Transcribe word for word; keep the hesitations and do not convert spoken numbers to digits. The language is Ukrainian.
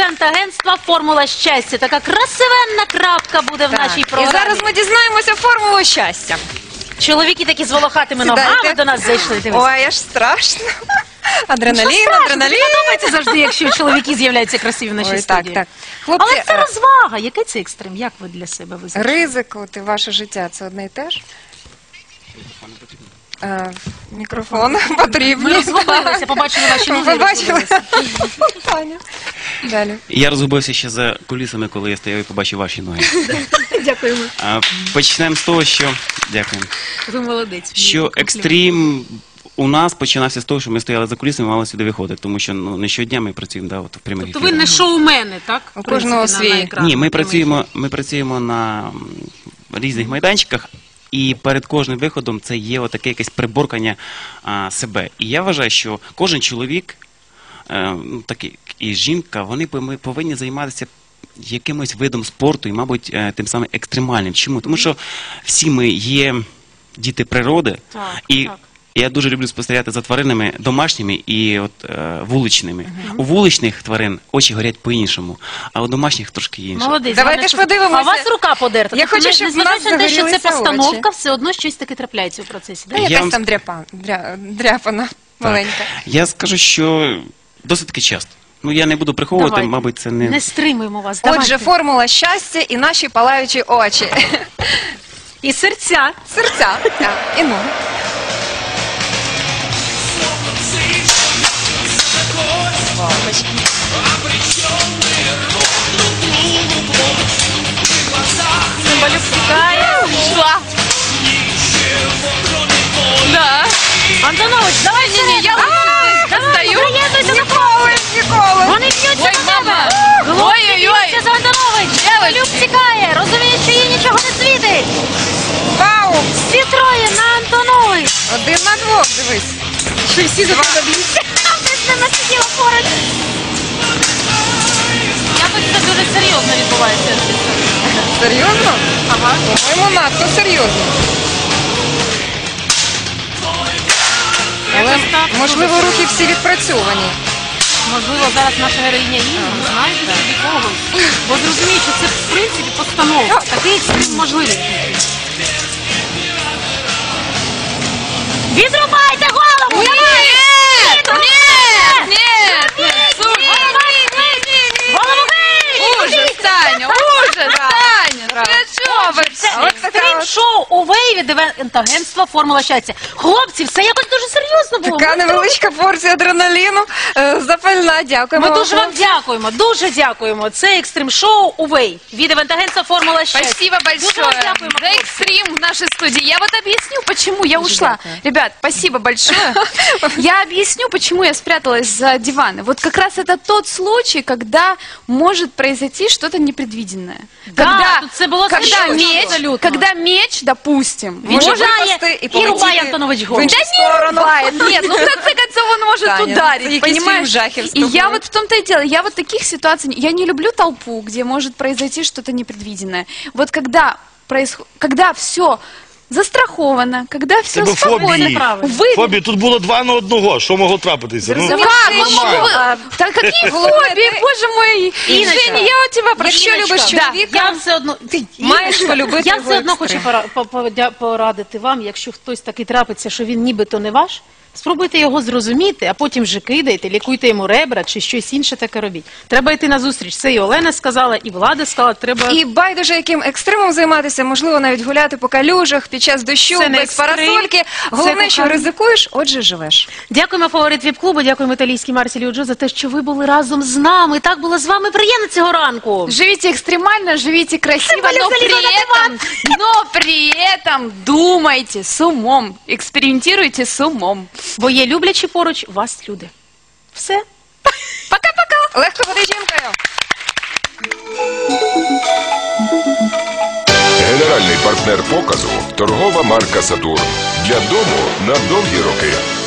івент-агентства «Формула щастя». Така красивенна крапка буде в нашій програмі. І зараз ми дізнаємося формулу щастя. Чоловіки такі з волохатими ногами до нас зайшли. Ой, аж страшно. Адреналін, адреналін. Мені подобається завжди, якщо чоловіки з'являються красиві в нашій Ой, студії. так, так. Хлопці, Але це розвага. Який це екстрем? Як ви для себе визначаєте? ризик і ваше життя – це одне і те ж? Е, Мікрофон потрібен. Ми розгубилися, побачили ваші ноги. Ви бачили? Далі. Я розгубився ще за кулісами, коли я стояв і побачив ваші ноги. Дякуємо. А, Почнемо з того, що... Дякуємо. Ви молодець. Що екстрім у нас починався з того, що ми стояли за кулісами і мали сюди виходити, тому що ну, не щодня ми працюємо да, от, в прямих Тобто ви ефірах. не шоумени, так? У В принципі, кожного на- свій. на екранах, Ні, ми на прямих працюємо, ми працюємо на м, різних майданчиках, і перед кожним виходом це є отаке якесь приборкання а, себе. І я вважаю, що кожен чоловік, е, ну, так і, і жінка, вони пов- повинні займатися якимось видом спорту і, мабуть, е, тим самим екстремальним. Чому? Тому що всі ми є діти природи, Так, і так. я дуже люблю спостерігати за тваринами домашніми і от, е, вуличними. У вуличних тварин очі горять по-іншому, а у домашніх трошки інше. Молодець. Давайте Ганна, ж подивимося. А у вас рука подерта. Я Тобто, хочу, не- щоб в незважаючи нас на те, що це загорілися постановка, очі. все одно щось таке трапляється у процесі. Та так? Я якась вам там дряпа, дря, дряпана маленька. Я скажу, що досить таки часто. Ну, я не буду приховувати, Давайте. мабуть, це не... Не стримуємо вас. Отже, Давайте. формула щастя і наші палаючі очі. І серця. Серця. Так, і ноги. Цимбалюк тікає. Да. Антонович, давай сюди. Я Давай, приєднуйся до Ніколи, ніколи. Вони б'ються Ой, за тебе. мама. Хлопці Ой-ой-ой. б'ються за Антонович. Цимбалюк тікає. Розуміє, що їй нічого не світить. Вау! Всі троє на Антонович. Один на двох, дивись. Що всі за тебе б'ються. Ти з ними сиділа поруч. Якось це дуже серйозно відбувається. Серйозно? Ага. По-моєму, надто серйозно. Але, Якось так. можливо, рухи всі відпрацьовані. Можливо, зараз наша героїня Інна знайде собі когось. Бо зрозуміє, що це, в принципі, постановка. Такий екстрим можливий. Відрубайте голову! Ні! Давай! Ні! Ні! Голову геть! Ужас, Таня! Ужас, Таня! Для чого ви? Це А от така от- екстрим-шоу у Вейві івент-агентства «Формула щастя». Хлопці, все якось дуже серйозно було. Така невеличка порція адреналіну. Е, Запальна, дякуємо. Ми дуже вам дякуємо, дуже дякуємо. Це екстрим-шоу у Вей від івент-агентства «Формула щастя». Спасибо Дуже вам большое дякуємо, за хлопці. экстрим в нашей студии. Я вот объясню, почему я ушла. дякую. Ребят, спасибо большое. Я объясню, почему я спряталась за диваны. Вот как раз это тот случай, когда может произойти что-то непредвиденное. Да, Когда, тут це було когда серйозно, меч, абсолютно. когда меч, допустим, Може Віджимає випасти і і полетіти рубає Антонович в голову. іншу Да не сторону. рубает. Нет, ну в конце концов он может Таня, ну, ударить, это понимаешь? якийсь жахів з И я тобою. вот в том-то и дело, я вот таких ситуаций, не- я не люблю толпу, где может произойти что-то непредвиденное. Вот когда происходит, когда все застраховано, когда все Тебе спокойно, фобії. вы... Фобії, тут було два на одного. Що могло трапитися? Ну, Как? Нормально. Ну, могу вы- Да какие фобии, боже мой! Иночка. Женя, я у тебя прошу. Якщо любиш Да, чоловіка, я все одно ти маєш Іночка, полюбити Я його все одно хочу екстрим. пора- по- подя- порадити вам, якщо хтось такий трапиться, що він нібито не ваш. Спробуйте його зрозуміти, а потім вже кидайте, лікуйте йому ребра чи щось інше таке робіть. Треба йти на зустріч. Це і Олена сказала, і Влада сказала. Треба і байдуже яким екстремом займатися, можливо, навіть гуляти по калюжах під час дощу, Це не без екстрим, парасольки. це Головне, що кохання. ризикуєш, отже живеш. Дякуємо фаворит віп-клубу, дякуємо італійській Марсілі Уджо за те, що ви були разом з нами. Так було з вами приємно цього ранку. Живите экстремально, живите красиво, Цимбалюк но при залезла на этом, но при этом думайте с умом, экспериментируйте с умом. Бо є люблячі поруч вас люди. Все. Пока-пока! Легко бути жінкою! Генеральний партнер показу – торгова марка «Сатурн». Для дому на довгі роки.